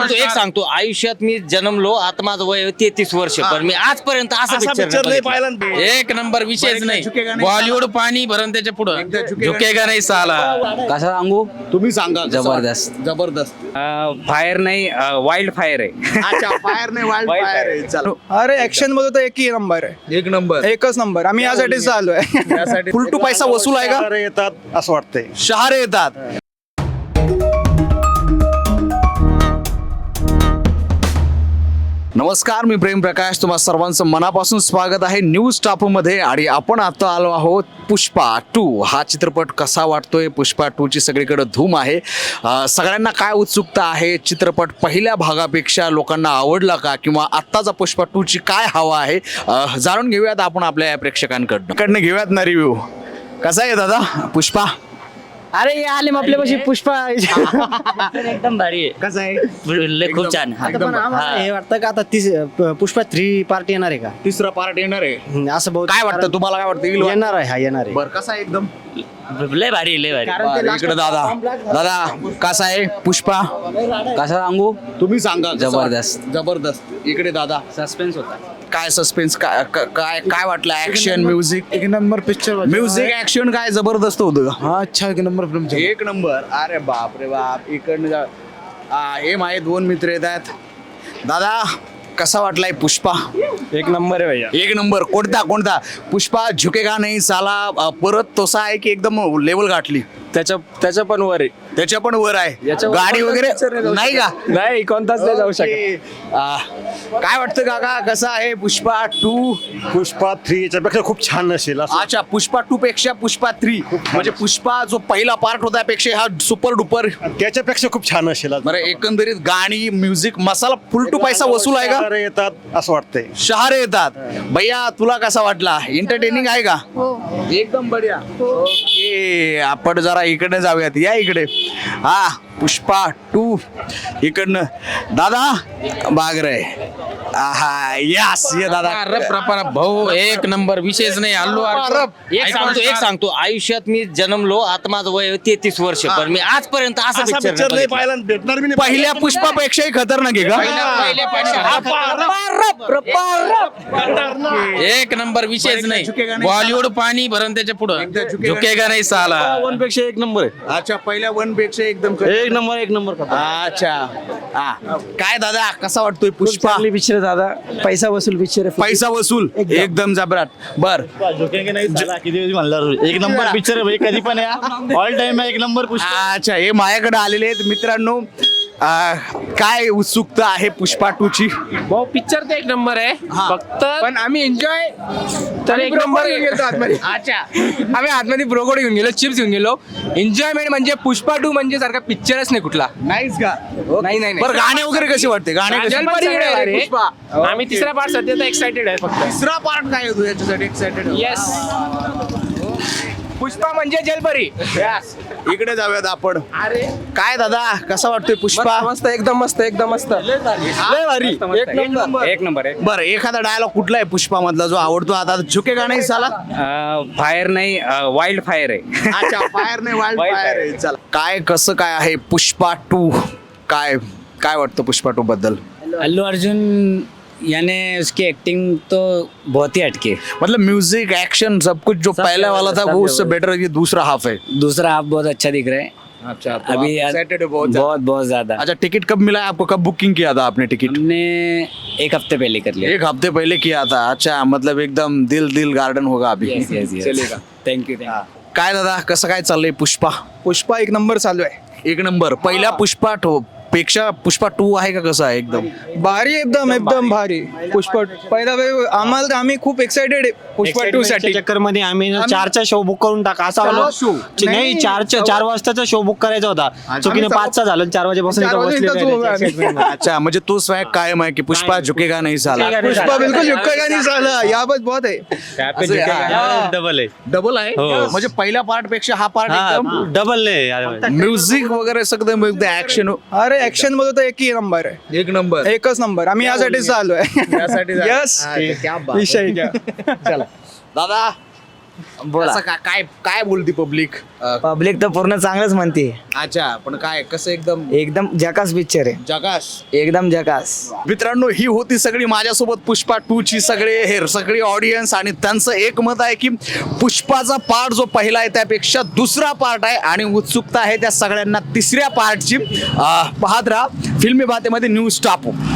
एक सांगतो आयुष्यात मी जन्मलो आता माझं वय 33 वर्ष पण मी आजपर्यंत असं पिक्चर नाही पाहिला. एक नंबर विषयच नाही. बॉलिवूड पाणी भरण त्याच्या पुढं झुकेगा नाही साला. कसा सांगू तुम्ही सांगा जबरदस्त. जबरदस्त. फायर नाही वाईल्ड फायर आहे. अच्छा फायर नाही वाईल्ड फायर आहे. चलो अरे ऍक्शन मध्ये तर एकही नंबर आहे. एक नंबर एकच नंबर. आम्ही यासाठीच आलोय. फुल टू पैसा वसूल आहे का? येतात असं वाटतंय. शहारे येतात. नमस्कार, मी प्रेम प्रकाश, तुम्हा सर्वांचं मनापासून स्वागत आहे न्यूज टापूमध्ये. आणि आपण आता आलो आहोत पुष्पा 2 हा चित्रपट कसा वाटतोय. पुष्पा 2 ची सगळीकडे धूम आहे. सगळ्यांना काय उत्सुकता आहे, चित्रपट पहिल्या भागापेक्षा लोकांना आवडला का, किंवा आत्ताचा पुष्पा 2 ची काय हवा आहे, जाणून घेऊयात आपण आपल्या या प्रेक्षकांकडनं घेऊयात ना रिव्ह्यू. कसा आहे दादा पुष्पा? अरे हे आले मग आपल्यापाशी पुष्पा एकदम भारी आहे. कसं आहे? खूप छान. हे वाटतं का आता पुष्पा 3 पार्ट येणार आहे का? तिसरा पार्ट येणार आहे. असं बहुत काय वाटतं तुम्हाला, काय वाटतं येणार आहे. हा येणार आहे. बरं कसा आहे एकदम? लय भारी लय भारी. इकडे दादा कसा आहे पुष्पा? कसा सांगू तुम्ही सांगा. जबरदस्त. जबरदस्त. इकडे दादा सस्पेन्स होता. काय सस्पेन्स, काय वाटलं? Action, music? एक नंबर पिक्चर. म्युझिक ऍक्शन काय जबरदस्त होतं. हा अच्छा एक नंबर फिल्म. एक नंबर. अरे बाप रे बाप. इकडनं हे माझे दोन मित्र येत आहेत. दादा कसा वाटलाय पुष्पा? एक नंबर आहे भैया. एक नंबर. कोणता पुष्पा झुकेगा नाही साला परत तसा आहे की एकदम लेवल गाठली? त्याच्या पण वर आहे. त्याच्या पण वर आहे. याच्यावर गाडी कोणताच वगैरे picture नाही जाऊ नाही का? नाही कोणताच नाही जाऊ शकत. ओके. काय वाटतं काका, कसा आहे पुष्पा 2? पुष्पा 3 याच्यापेक्षा खूप छान असेल असं. अच्छा, पुष्पा 2 पेक्षा पुष्पा 3 म्हणजे पुष्पा जो पहिला पार्ट होता त्यापेक्षा हा सुपर डुपर. त्याच्यापेक्षा खूप छान असेल. बरं, एकंदरीत गाणी, म्युझिक, मसाला फुल टू पैसा वसूल आहे का? येतात असं वाटतंय. शहारे येतात. भैया तुला कसा वाटला? एंटरटेनिंग आहे का? एकदम बढिया. ओके, आपण जरा इकडे जाऊयात. या इकडे. हा पुष्पा 2 इकडनं दादा बागरे. आहा यस ये दादा. भाऊ एक नंबर विषयच नाही. अल्लू एक सांगतो आयुष्यात मी जन्मलो आता माझं वय 33 वर्ष पण मी आजपर्यंत असं पिक्चर नाही पाहिला. भेटणार मी पहिल्या पुष्पापेक्षाही खतरनाक आहे का? एक नंबर विषयच नाही. बॉलिवूड पाणी भरण त्याच्या पुढं झुकेगा नाही साला. 1 पेक्षा 1 नंबर आहे. अच्छा, पहिल्या 1 पेक्षा एकदम एक नंबर अच्छा. काय दादा कसा वाटतोय पुष्पा? पिक्चर दादा पैसा वसूल पिक्चर आहे. पैसा वसूल एकदम जबराट. बर एक नंबर पिक्चर आहे. कधी पण या ऑल टाइम एक नंबर पुष्पा. अच्छा, हे माझ्याकडे आलेले आहेत मित्रांनो. काय उत्सुकता आहे पुष्पा 2 ची? भाऊ पिक्चर तर एक नंबर आहे. फक्त पण आम्ही एन्जॉय तर एक नंबर अच्छा, आम्ही आतमध्ये ब्रोकोड घेऊन गेलो, चिप्स घेऊन गेलो. एन्जॉयमेंट म्हणजे पुष्पा 2 म्हणजे सारखा पिक्चरच नाही कुठला. नाहीच का? नाही बरं, गाणे वगैरे कसे वाटते? गाणे कसे? आम्ही तिसरा पार्ट सध्या तर एक्साइटेड आहे फक्त. तिसरा पार्ट काय होतो याच्यासाठी एक्साइटेड? येस, पुष्पा म्हणजे जलपरी. इकडे जाऊयात आपण. काय दादा कसा वाटतोय पुष्पा? मस्त एकदम मस्त एकदम मस्त. लय भारी. एक नंबर आहे. बरं, एखादा डायलॉग कुठला आहे पुष्पा मधला जो आवडतो? आता झुकेगा नाही साला. फायर नाही वाईल्ड फायर आहे. अच्छा, फायर नाही वाईल्ड फायर आहे. चला, काय कसं काय आहे पुष्पा 2? काय वाटतं पुष्पा 2 बद्दल? अल्लू अर्जुन याने उसकी एक्टिंग तो बहुत ही हटके. मतलब म्यूजिक, एक्शन, सब कुछ जो पहला वाला था वो उससे बेटर ये दूसरा हाफ है. दूसरा हाफ बहुत अच्छा दिख रहा है. अच्छा, अभी एक्साइटेड बहुत. बहुत ज्यादा. अच्छा, टिकट कब मिला है आपको? कब बुकिंग किया था आपने टिकट? हमने एक हफ्ते पहले कर लिया. 1 हफ्ते पहले किया था. अच्छा, मतलब एकदम दिल गार्डन होगा अभी. चलेगा. थँक्यू. काय दादा कसं काय चाललंय पुष्पा? पुष्पा एक नंबर चालू आहे. एक नंबर. पहिल्या पुष्पा पेक्षा पुष्पा 2 आहे का? कसं आहे? एकदम भारी, एकदम भारी. पुष्पा पहिला आम्हाला आम्ही खूप एक्साइटेड आहे पुष्पा 2 साठी. चक्कर मध्ये आम्ही 4चा शो बुक करून टाका असा चार show? नाही 4 वाजताचा शो बुक करायचा होता. चुकीने 5चा झालं. 4 वाजेपासून इथं बसलेलो. अच्छा, म्हणजे तो स्वॅग कायम आहे की पुष्पा झुकेगा नाही साला. पुष्पा बिलकुल झुकेगा नहीं साला. यहाँ पर बहुत है. डबल आहे. डबल आहे म्हणजे पहिल्या पार्ट पेक्षा हा पार्ट एकदम डबल आहे. म्युझिक वगैरे सगळं एकदम ऍक्शन. अरे ऍक्शन मध्ये तर एकही नंबर आहे. एक नंबर. एकच नंबर. आम्ही यासाठीच आलोय. यासाठी यस. विषय घ्या. चला दादा बोला. असं काय काय बोलती पब्लिक? पब्लिक तर पूर्ण चांगलंच म्हणते. अच्छा, पण काय कसं एकदम एकदम जकास पिक्चर आहे, जगास. एकदम जकास. मित्रांनो, ही होती सगळी माझ्यासोबत पुष्पा 2 ची सगळी ऑडियन्स, आणि त्यांचं एक मत आहे की पुष्पाचा पार्ट जो पहिला आहे त्यापेक्षा दुसरा पार्ट आहे, आणि उत्सुकता आहे त्या सगळ्यांना तिसऱ्या पार्टची. पाहत राहा फिल्मी बातेमध्ये न्यूज टापू.